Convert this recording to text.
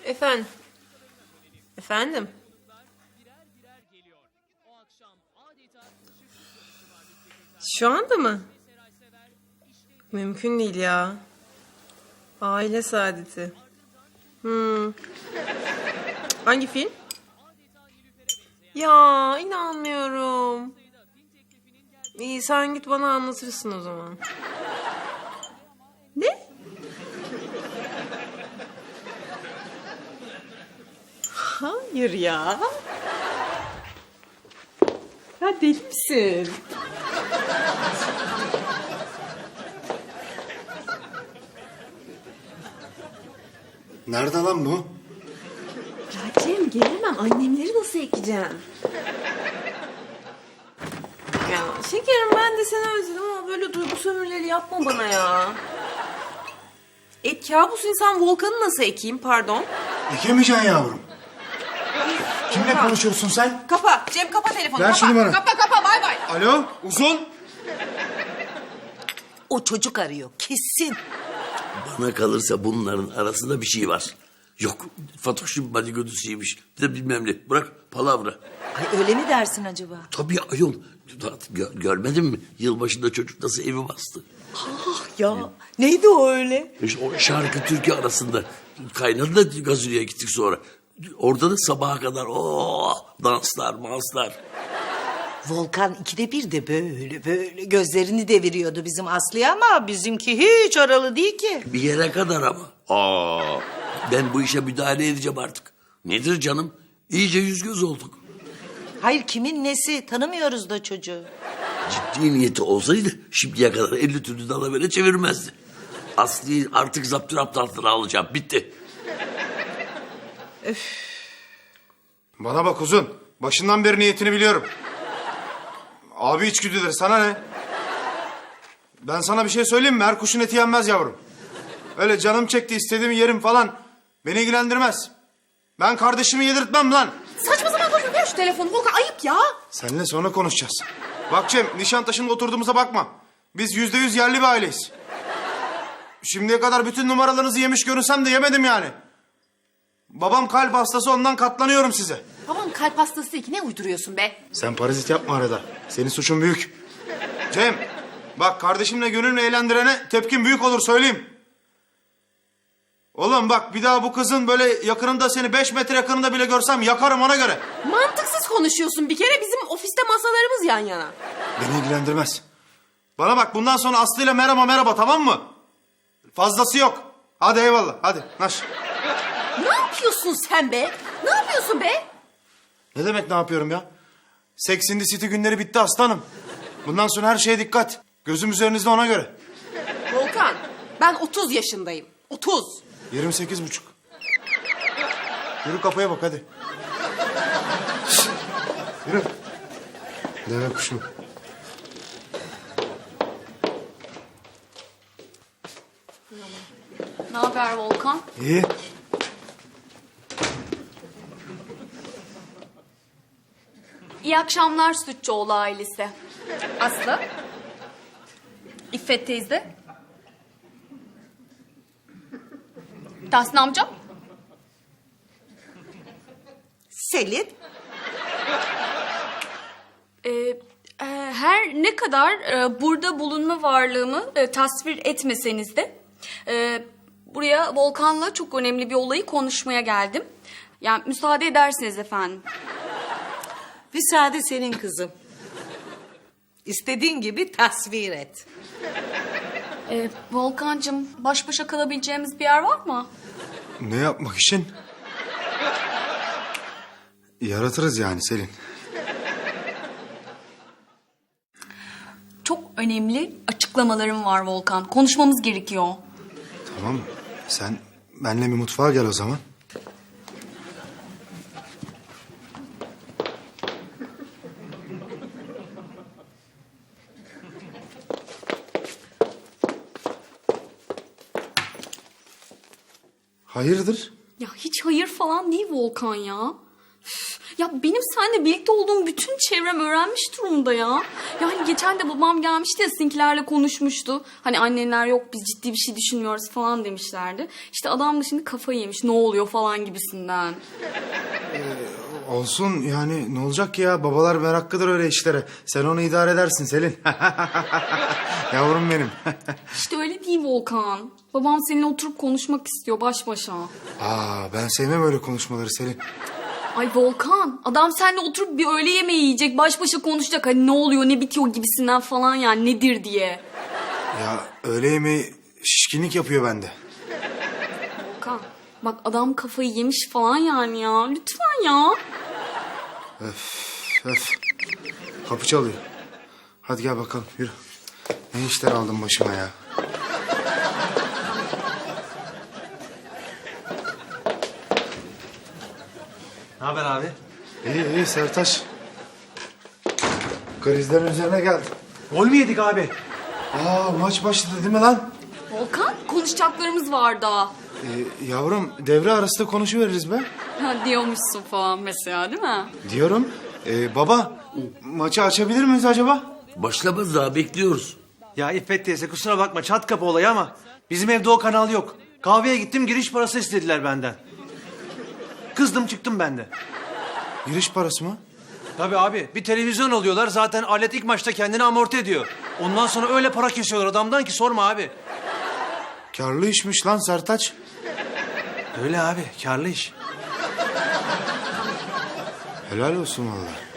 Efendim? Efendim? Şu anda mı? Mümkün değil ya. Aile saadeti. Hangi film? Ya inanmıyorum. İyi sen git bana anlatırsın o zaman. Ne? Hayır ya. Ya deli misin? Nerede lan bu? Ya Cem gelemem. Annemleri nasıl ekeceğim? Ya şekerim ben de seni özledim ama böyle duygu sömürüleri yapma bana ya. Kabus insan Volkan'ı nasıl ekeyim pardon? Ekemeyeceksin yavrum. Kimle konuşuyorsun sen? Kapa Cem kapa telefonu. Ver kapa. şu numaranı. Kapa bay bay. Alo, Uzun. O çocuk arıyor kesin. Bana kalırsa bunların arasında bir şey var. Yok Fatoş'un baligodusuymuş. Bir de bilmem ne. Bırak palavra. Ay öyle mi dersin acaba? Tabii ayol. Görmedin mi? Yılbaşında çocuk nasıl evi bastı. Ya neydi o öyle? İşte o şarkı türkü arasında kaynadı da Gazino'ya gittik sonra. Orada da sabaha kadar danslar manslar. Volkan ikide bir de böyle gözlerini deviriyordu bizim Aslı'ya ama bizimki hiç oralı değil ki. Bir yere kadar ama. Ben bu işe müdahale edeceğim artık. Nedir canım? İyice yüz göz olduk. Hayır kimin nesi tanımıyoruz da çocuğu. Ciddi niyeti olsaydı şimdiye kadar 50 türlü dalavere çevirmezdi. Aslı'yı artık zapturapt altına alacağım. Bitti. Bana bak Uzun. Başından beri niyetini biliyorum. Abi içgüdüleri sana ne? Ben sana bir şey söyleyeyim mi? Her kuşun eti yenmez yavrum. Öyle canım çekti istediğimi yerim falan. Beni ilgilendirmez. Ben kardeşimi yedirtmem lan. Saçma sapan konuşma ver şu telefonu Volkan ayıp ya. Seninle sonra konuşacağız. Bak Cem, Nişantaşı'nda oturduğumuza bakma. Biz %100 yerli bir aileyiz. Şimdiye kadar bütün numaralarınızı yemiş görünsem de yemedim yani. Babam kalp hastası, ondan katlanıyorum size. Babam kalp hastası değil ki ne uyduruyorsun be? Sen parazit yapma arada. Senin suçun büyük. Cem, bak kardeşimle gönlünü eğlendirene tepkin büyük olur söyleyeyim. Oğlum bak bir daha bu kızın böyle yakınında seni 5 metre yakınında bile görsem yakarım ona göre. Mantıksız konuşuyorsun bir kere bizim ofiste masalarımız yan yana. Beni ilgilendirmez. Bana bak bundan sonra Aslı'yla merhaba tamam mı? Fazlası yok. Hadi eyvallah hadi naş. Ne yapıyorsun sen be? Ne yapıyorsun be? Ne demek ne yapıyorum ya? Sex in the City günleri bitti aslanım. Bundan sonra her şeye dikkat. Gözüm üzerinizde ona göre. Volkan ben 30 yaşındayım. 30. 28,5. Yürü kapıya bak hadi. Yürü. Deve kuşum. Ne haber Volkan? İyi. İyi akşamlar Sütçüoğlu ailesi. Aslı. İffet teyze. Tahsin amcam. Selin. Her ne kadar burada bulunma varlığımı tasvir etmeseniz de buraya Volkan'la çok önemli bir olayı konuşmaya geldim. Yani müsaade edersiniz efendim. Müsaade senin kızım. İstediğin gibi tasvir et. Volkan'cığım baş başa kalabileceğimiz bir yer var mı? Ne yapmak için? Yaratırız yani Selin. Çok önemli açıklamalarım var Volkan. Konuşmamız gerekiyor. Tamam sen benimle bir mutfağa gel o zaman. Hayırdır? Ya hiç hayır falan değil Volkan ya. Üf, Ya benim seninle birlikte olduğum bütün çevrem öğrenmiş durumda ya. Yani geçen de babam gelmişti ya, sizinkilerle konuşmuştu. Hani annenler yok, biz ciddi bir şey düşünmüyoruz falan demişlerdi. İşte adam da şimdi kafayı yemiş, ne oluyor falan gibisinden. Olsun yani, ne olacak ki ya? Babalar meraklıdır öyle işlere. Sen onu idare edersin Selin. Yavrum benim. İşte öyle değil Volkan. Babam seninle oturup konuşmak istiyor baş başa. Ben sevmem öyle konuşmaları Selin. Ay Volkan, adam seninle oturup bir öğle yemeği yiyecek, baş başa konuşacak. Hani ne oluyor, ne bitiyor gibisinden falan, yani nedir diye. Ya öğle yemeği şişkinlik yapıyor bende. Volkan, bak adam kafayı yemiş falan yani ya. Lütfen ya. Öf. Kapı çalıyor. Hadi gel bakalım, yürü. Ne işler aldın başıma ya. Ne haber abi? İyi Sertaç. Krizlerin üzerine geldi. Gol mü yedik abi? Maç başladı değil mi lan? Volkan, konuşacaklarımız var daha. Yavrum, devre arasında konuşuveririz be. Ha, diyormuşsun falan mesela, değil mi? Diyorum. Baba, maçı açabilir miyiz acaba? Başlamaz daha, bekliyoruz. Ya İffet teyze kusura bakma çat kapı olayı ama bizim evde o kanal yok. Kahveye gittim, giriş parası istediler benden. Kızdım çıktım ben de. Giriş parası mı? Tabii abi, bir televizyon alıyorlar, zaten alet ilk maçta kendini amorti ediyor. Ondan sonra öyle para kesiyorlar adamdan ki sorma abi. Karlı işmiş lan Sertaç. Öyle abi, karlı iş. Helal olsun vallahi.